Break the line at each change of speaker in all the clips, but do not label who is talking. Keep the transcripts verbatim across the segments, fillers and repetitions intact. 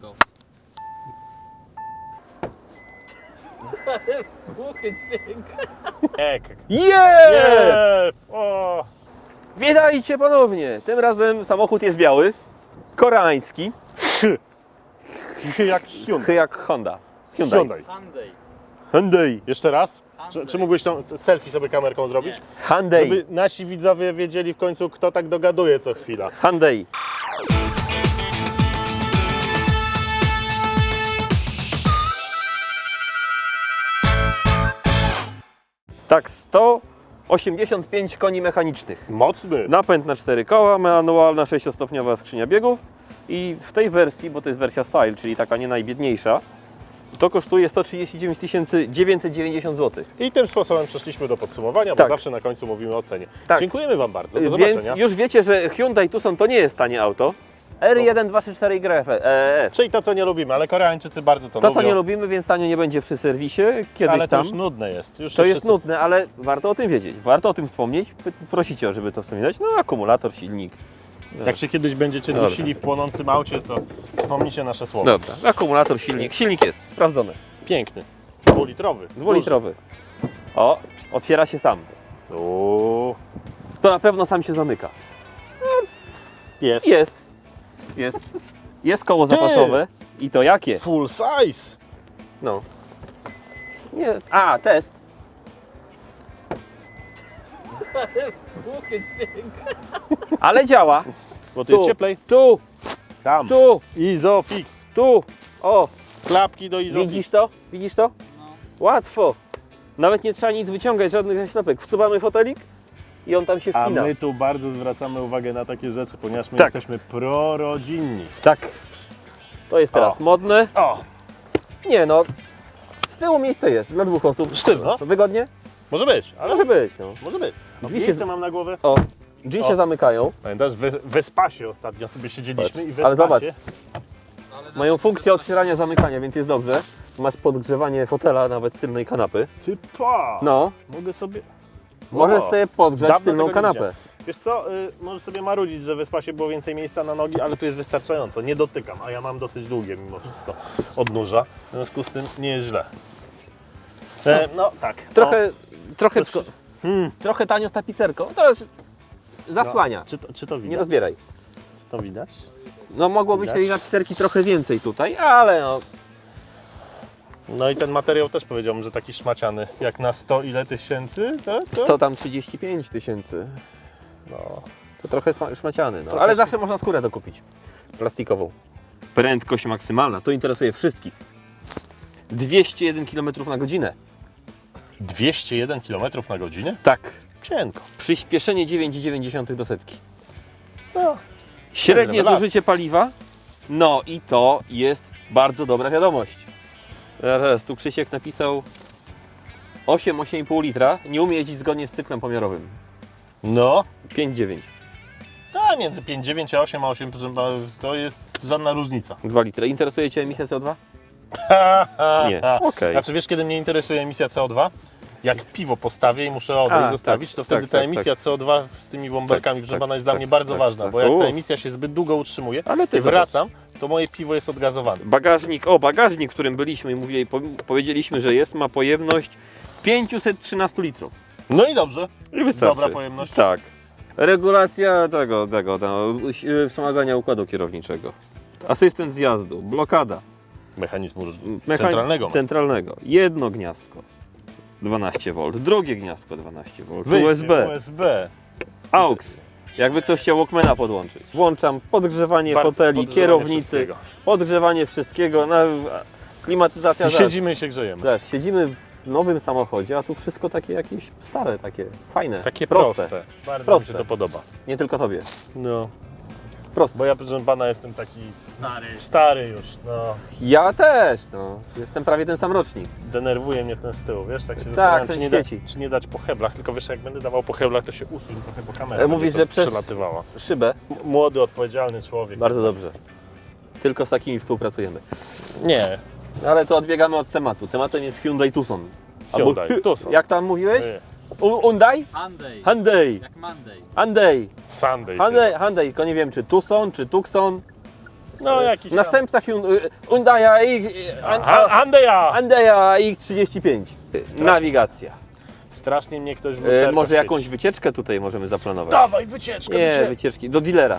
auto. Głuchy dźwięk.
Ek.
Yeah!
Nie! O!
Witajcie ponownie! Tym razem samochód jest biały, koreański,
Jak Hyundai.
jak Honda. Hyundai.
Hyundai.
Hyundai.
Hyundai.
Jeszcze raz? Czy,
Hyundai.
czy mógłbyś tą selfie sobie kamerką zrobić?
Nie.
Hyundai.
Żeby nasi widzowie wiedzieli w końcu, kto tak dogaduje co chwila.
Hyundai. Tak, sto osiemdziesiąt pięć koni mechanicznych.
Mocny.
Napęd na cztery koła, manualna sześciostopniowa skrzynia biegów i w tej wersji, bo to jest wersja Style, czyli taka nie najbiedniejsza, to kosztuje sto trzydzieści dziewięć tysięcy dziewięćset dziewięćdziesiąt złotych.
I tym sposobem przeszliśmy do podsumowania, bo
Tak.
zawsze na końcu mówimy o cenie.
Tak.
Dziękujemy Wam bardzo. Do
Więc
zobaczenia.
już wiecie, że Hyundai Tucson to nie jest tanie auto. R jeden dwa trzy cztery Y E.
Czyli to, co nie lubimy, ale Koreańczycy bardzo to,
To,
lubią.
co nie lubimy, więc tanio nie będzie przy serwisie. Kiedyś
ale to
tam.
już nudne jest. Już
To
się
jest
wszyscy...
nudne, ale warto o tym wiedzieć. Warto o tym wspomnieć. P- Prosicie, żeby to wspominać. No, akumulator, silnik.
Jak się kiedyś będziecie
Dobra.
dusili w płonącym aucie, to wspomnijcie nasze słowa.
Dobra, akumulator, silnik. Silnik jest sprawdzony.
Piękny. Dwulitrowy.
Dwulitrowy. O, otwiera się sam.
Duży. Uuu.
To na pewno sam się zamyka.
Jest.
Jest. Jest. Jest koło zapasowe. I to jakie?
Full size.
No. Nie. A, test.
Głuchy dźwięk.
Ale działa.
Bo tu jest
Tu,
cieplej.
tu,
Tam.
tu,
Izofix.
tu. O,
Klapki do Izofix.
widzisz to? Widzisz to? Łatwo. Nawet nie trzeba nic wyciągać, żadnych zaślepek. Wsuwamy fotelik i on tam się
A
wpina.
my tu bardzo zwracamy uwagę na takie rzeczy, ponieważ my
Tak.
jesteśmy prorodzinni.
Tak. To jest teraz
O.
modne.
O,
Nie no, z tyłu miejsce jest dla dwóch osób.
Sztywno.
Wygodnie?
może być, ale
Może być, no.
może być.
Drzwi
Miejsce
się-
mam na głowę.
O, drzwi
O.
się zamykają.
Pamiętasz, w Wespasie ostatnio sobie siedzieliśmy i w
Ale zobacz.
Wespasie...
Mają funkcję otwierania, zamykania, więc jest dobrze. Masz podgrzewanie fotela, nawet tylnej kanapy.
Typa!
No,
Mogę sobie...
możesz
O,
sobie podgrzać
dawno
tylną
tego nie
kanapę.
Wiesz co, y, możesz sobie marudzić, że w Wespasie było więcej miejsca na nogi, ale tu jest wystarczająco. Nie dotykam, a ja mam dosyć długie mimo wszystko odnóża. W związku z tym nie jest źle. E, no tak.
Trochę, trochę,
To jest-
hmm, trochę tanio z tapicerką. To jest zasłania.
O, czy, to, czy to
Nie
widać?
rozbieraj.
Czy to widać?
No mogło być
Widać?
tej tapicerki trochę więcej tutaj, ale no,
No i ten materiał też powiedziałbym, że taki szmaciany. Jak na sto ile tysięcy? To, to?
sto tam trzydzieści pięć tysięcy.
No.
To trochę sma- szmaciany, no.
Trochę
Ale
sm-
zawsze można skórę dokupić. Plastikową. Prędkość maksymalna, to interesuje wszystkich. dwieście jeden kilometrów na godzinę.
dwieście jeden kilometrów na godzinę?
Tak.
Cienko.
Przyspieszenie dziewięć przecinek dziewięć do setki.
No.
Średnie
rewelacja.
zużycie paliwa. No i to jest bardzo dobra wiadomość. Zaraz, tu Krzysiek napisał osiem, osiem i pół litra. Nie umie jeździć zgodnie z cyklem pomiarowym.
No.
pięć dziewięć.
A między pięć dziewięć a osiem a osiem to jest żadna różnica.
dwa litry. Interesuje Cię emisja C O dwa? Nie. Okej.
Znaczy wiesz, kiedy mnie interesuje emisja C O dwa? Jak piwo postawię i muszę odejść
A,
zostawić,
tak,
to wtedy
tak,
ta
tak,
emisja C O dwa z tymi bąbelkami
Tak,
wgrzebana
tak,
jest dla
tak,
mnie bardzo
tak,
ważna,
tak.
bo jak
U.
ta emisja się zbyt długo utrzymuje
Ale ty
i wracam, to moje piwo jest odgazowane.
Bagażnik, o bagażnik, w którym byliśmy i mówili, po, powiedzieliśmy, że jest, ma pojemność pięćset trzynaście litrów.
No i dobrze.
I wystarczy.
Dobra pojemność.
Tak. Regulacja tego, tego, tego y, wspomagania układu kierowniczego. Asystent zjazdu, blokada.
Mechanizmu
Mecha-
centralnego.
Centralnego. Jedno gniazdko. dwanaście wolt. Drugie gniazdko dwanaście wolt.
Wyjście,
U S B.
U S B.
AUX. Jakby ktoś chciał Walkmana podłączyć. Włączam podgrzewanie
Bar-
foteli,
podgrzewanie
kierownicy,
wszystkiego.
podgrzewanie wszystkiego, na, klimatyzacja.
I
zaraz.
siedzimy i się grzejemy.
Zobacz, siedzimy w nowym samochodzie, a tu wszystko takie jakieś stare, takie fajne,
Takie
proste.
proste. Bardzo
Proste.
mi się to podoba.
Nie tylko tobie.
No.
Proste.
Bo ja, proszę pana, jestem taki
Stary.
stary już. No.
Ja też, no. Jestem prawie ten sam rocznik.
Denerwuje mnie ten z tyłu, wiesz? Tak się zastanawiam,
ten
czy nie, da,
świeci.
czy nie dać po heblach, tylko wiesz, jak będę dawał po heblach, to się usuń trochę, bo kamera
Ale mówisz,
będzie
że
to
przez-
przelatywała.
Szybę.
M- Młody, odpowiedzialny człowiek.
Bardzo dobrze. Tylko z takimi współpracujemy.
Nie.
Ale to odbiegamy od tematu. Tematem jest Hyundai Tucson.
Hyundai
Albo-
Tucson.
Jak tam mówiłeś?
Nie.
U- Hyundai?
Hyundai.
Hyundai.
Jak Monday.
Hyundai.
Sunday.
Hyundai. Hyundai. Tylko nie wiem, czy Tucson, czy Tucson.
No jakiś tam-
Następca Hyun- Hyundai'a X,
A- Andeja!
Hyundai'a X trzydzieści pięć. Nawigacja.
Strasznie mnie ktoś w
E,
lusterko
może
świeci.
jakąś wycieczkę tutaj możemy zaplanować.
Dawaj, wycieczkę,
Nie,
wycieczkę.
wycieczki do dealera.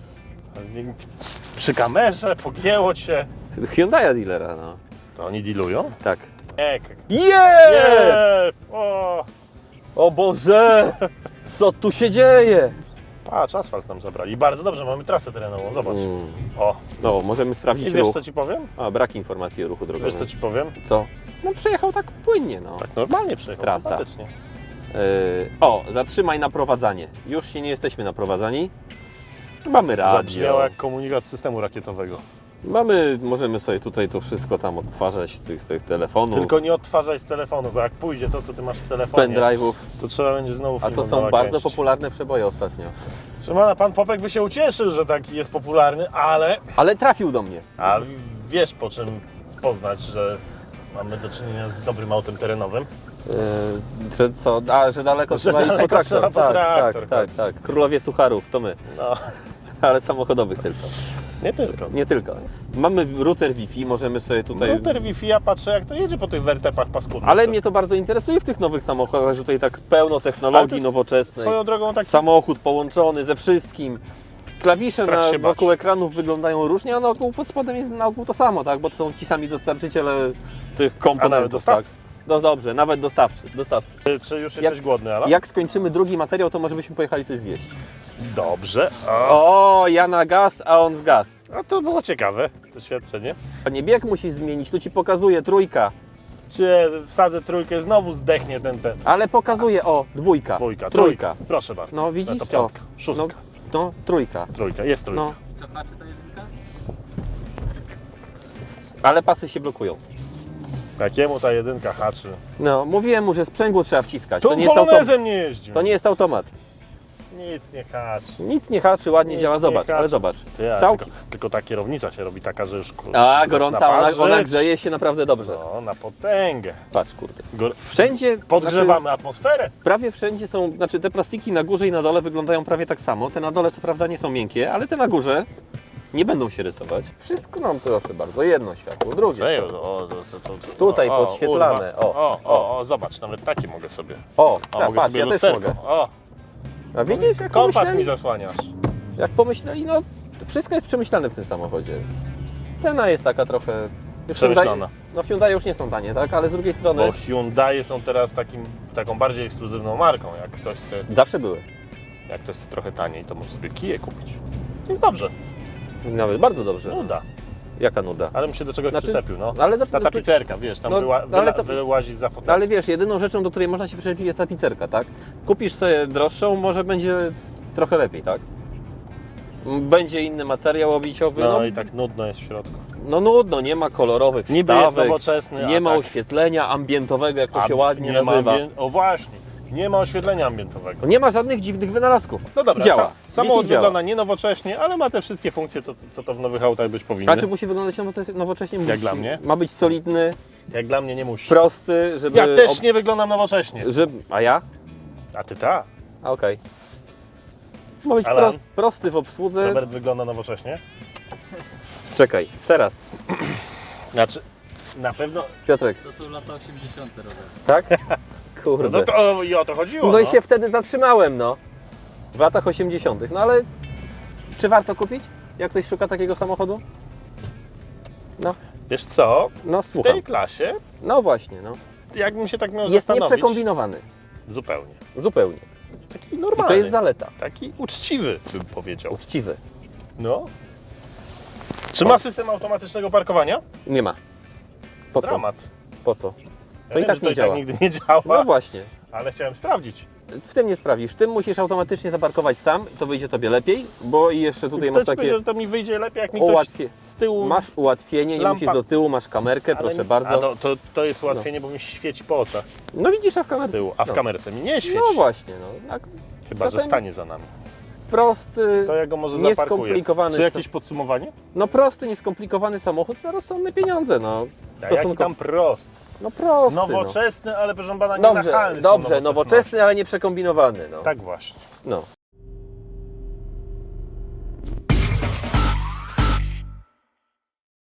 Przy kamerze, pogięło cię.
Hyundai'a dealera, no.
To oni dealują?
Tak.
Ek.
Yeah!
Nie! O!
O Boże! Co tu się dzieje?
Patrz, asfalt nam zabrali. Bardzo dobrze, mamy trasę terenową, zobacz.
Mm.
O!
No, możemy
I
sprawdzić
wiesz
ruch.
co ci powiem?
A, brak informacji o ruchu
Wiesz
drogowym.
co ci powiem?
Co? No przejechał tak płynnie, no.
Tak normalnie przejechał,
Trasa.
sympatycznie.
Yy, o, zatrzymaj naprowadzanie. Już się nie jesteśmy naprowadzani. Mamy
Zabrzmiało
radio.
jak komunikat z systemu rakietowego.
Mamy, możemy sobie tutaj to wszystko tam odtwarzać z tych, tych telefonów,
Tylko nie odtwarzaj z telefonu, bo jak pójdzie to, co ty masz w
z
telefonie,
pendrive'ów.
to trzeba będzie znowu
A to
filmem
są
nakręcić.
bardzo popularne przeboje ostatnio.
Szymana, pan Popek by się ucieszył, że taki jest popularny, ale...
Ale trafił do mnie.
A wiesz po czym poznać, że mamy do czynienia z dobrym autem terenowym?
Yy, że co? A, że daleko
Że
trzeba iść po
daleko
traktor.
trzeba po
tak,
traktor
tak, tak, tak. Królowie sucharów, to my.
No,
Ale samochodowych tylko.
nie tylko.
Nie tylko. Mamy router Wi-Fi, możemy sobie tutaj...
Router Wi-Fi, ja patrzę jak to jedzie po tych wertepach paskudnych.
Ale
co?
mnie to bardzo interesuje w tych nowych samochodach, że tutaj tak pełno technologii
to jest
nowoczesnej.
Swoją drogą tak...
Samochód połączony ze wszystkim. Klawisze
Strach
na,
się bać.
wokół ekranów wyglądają różnie, a na ogół pod spodem jest na ogół to samo, tak? Bo to są ci sami dostarczyciele tych komponentów.
A nawet dostawcy?
Tak? No dobrze, nawet dostawcy. dostawcy.
Czy, czy już
Jak-
jesteś głodny, Ala?
Jak skończymy drugi materiał, to może byśmy pojechali coś zjeść.
Dobrze. A,
O, ja na gaz, a on z gaz.
a to było ciekawe, doświadczenie.
Nie bieg musisz zmienić, tu ci pokazuje trójka,
Cię wsadzę trójkę, znowu zdechnie ten, ten.
ale pokazuje, o, dwójka,
Dwójka,
trójka.
Proszę bardzo.
No widzisz
to
to?
piątka, szóstka,
No, no, trójka.
trójka, jest trójka.
No. Ale pasy się blokują.
Takiemu ta jedynka haczy.
No, mówiłem mu, że sprzęgło trzeba wciskać. To
Tu
nie jest automat.
polonezem nie jeździł.
To nie jest automat.
Nic nie haczy.
Nic nie haczy, ładnie
Nic
działa,
nie
zobacz,
haczy.
ale zobacz.
Ty, a
Całki.
tylko, tylko ta kierownica się robi taka, że już kurde,
A,
zaczyna
gorąca, ona,
parzyć.
ona grzeje się naprawdę dobrze.
No, na potęgę.
Patrz, kurde.
Gor-
Wszędzie,
Podgrzewamy
znaczy,
atmosferę.
prawie wszędzie są, znaczy te plastiki na górze i na dole wyglądają prawie tak samo. Te na dole co prawda nie są miękkie, ale te na górze nie będą się rysować. Wszystko nam proszę bardzo, jedno światło, drugie
Ej,
światło.
o, to, to, to, to,
Tutaj
o,
podświetlane,
urwa.
o,
o, o, o, zobacz, nawet takie mogę sobie.
O,
O,
tak,
mogę
patrz,
sobie
ja też
lusterko.
mogę.
O,
A widzisz, jak
kompas mi
pomyśleli,
zasłaniasz.
jak pomyśleli, no wszystko jest przemyślane w tym samochodzie. Cena jest taka trochę... już
Przemyślana.
Hyundai- No Hyundai już nie są tanie, tak? Ale z drugiej strony
Bo Hyundai są teraz takim, taką bardziej ekskluzywną marką. Jak ktoś chce,
zawsze były.
jak ktoś chce trochę taniej, to może sobie kije kupić. To jest dobrze.
Nawet bardzo dobrze.
Nuda.
Jaka nuda.
Ale bym się do czegoś
Znaczy,
przyczepił, no.
ale do-
Ta tapicerka, wiesz, tam
no,
wyła,
no, ale
wyla,
to-
wyłazisz za fotel.
No ale wiesz, jedyną rzeczą, do której można się przyczepić jest tapicerka, tak? Kupisz sobie droższą, może będzie trochę lepiej, tak? Będzie inny materiał obiciowy,
No
no,
i tak nudno jest w środku.
no nudno, nie ma kolorowych
Niby jest
wstawek,
nowoczesny,
nie
a
ma
tak,
oświetlenia ambientowego, jak to
a
się ładnie
nie ma
nazywa.
ambien- O właśnie, nie ma oświetlenia ambientowego.
Nie ma żadnych dziwnych wynalazków.
No dobra,
działa.
Sa- samochód
Wi-Fi działa.
wygląda nie nowocześnie, ale ma te wszystkie funkcje, co, co to w nowych autach być powinny.
A czy musi wyglądać nowocze- nowocześnie? Musi.
dla mnie.
Ma być solidny,
Jak dla mnie nie musi.
prosty, żeby...
Ja też
ob-
nie wyglądam nowocześnie.
żeby... A ja?
A ty ta.
A okej. Ma być
Alan?
prost, prosty w obsłudze.
Robert wygląda nowocześnie.
Czekaj, teraz.
Znaczy, na pewno...
Piotrek,
To są lata osiemdziesiąte, Robert.
tak?
No,
Kurde.
no to o, i o to chodziło.
No i się wtedy zatrzymałem, no. W latach osiemdziesiątych. No ale czy warto kupić? Jak ktoś szuka takiego samochodu? No,
Wiesz co,
no
w
słucham.
tej klasie,
No właśnie, no.
jakbym się tak miał
Jest
zastanowić...
nieprzekombinowany.
Zupełnie.
Zupełnie.
Taki
I
normalny.
to jest zaleta.
Taki uczciwy, bym powiedział.
Uczciwy.
No. Czy ma system automatycznego parkowania?
Nie ma. Po co?
Dramat.
Po co?
Ja
To i
wiem,
tak
że to
nie
i
działa.
tak nigdy nie działa,
No właśnie.
ale chciałem sprawdzić.
W tym nie sprawisz. W tym musisz automatycznie zaparkować sam, to wyjdzie tobie lepiej, bo i jeszcze tutaj
Kto
masz
ci
takie...
powiedział, że to mi wyjdzie lepiej, jak mi ktoś
Ułatwię.
z tyłu...
Masz ułatwienie, nie
Lampa.
musisz do tyłu, masz kamerkę,
ale
proszę
mi-
bardzo.
A to, to, to jest ułatwienie, bo mi świeci po oczach
No widzisz, a w kamerce...
z tyłu, a w
no.
kamerce mi nie świeci.
No właśnie, no. Tak
Chyba, że
zatem-
stanie za nami.
prosty,
To ja go może zaparkuję.
nieskomplikowany...
Czy jakieś podsumowanie?
No prosty, nieskomplikowany samochód za rozsądne pieniądze, no.
A jaki tam prost.
No prosty,
Nowoczesny, ale proszę pana,
no.
nie
Dobrze,
nachalny. z tą
dobrze,
nowoczesnością.
nowoczesny, ale nie przekombinowany, no.
Tak właśnie.
No.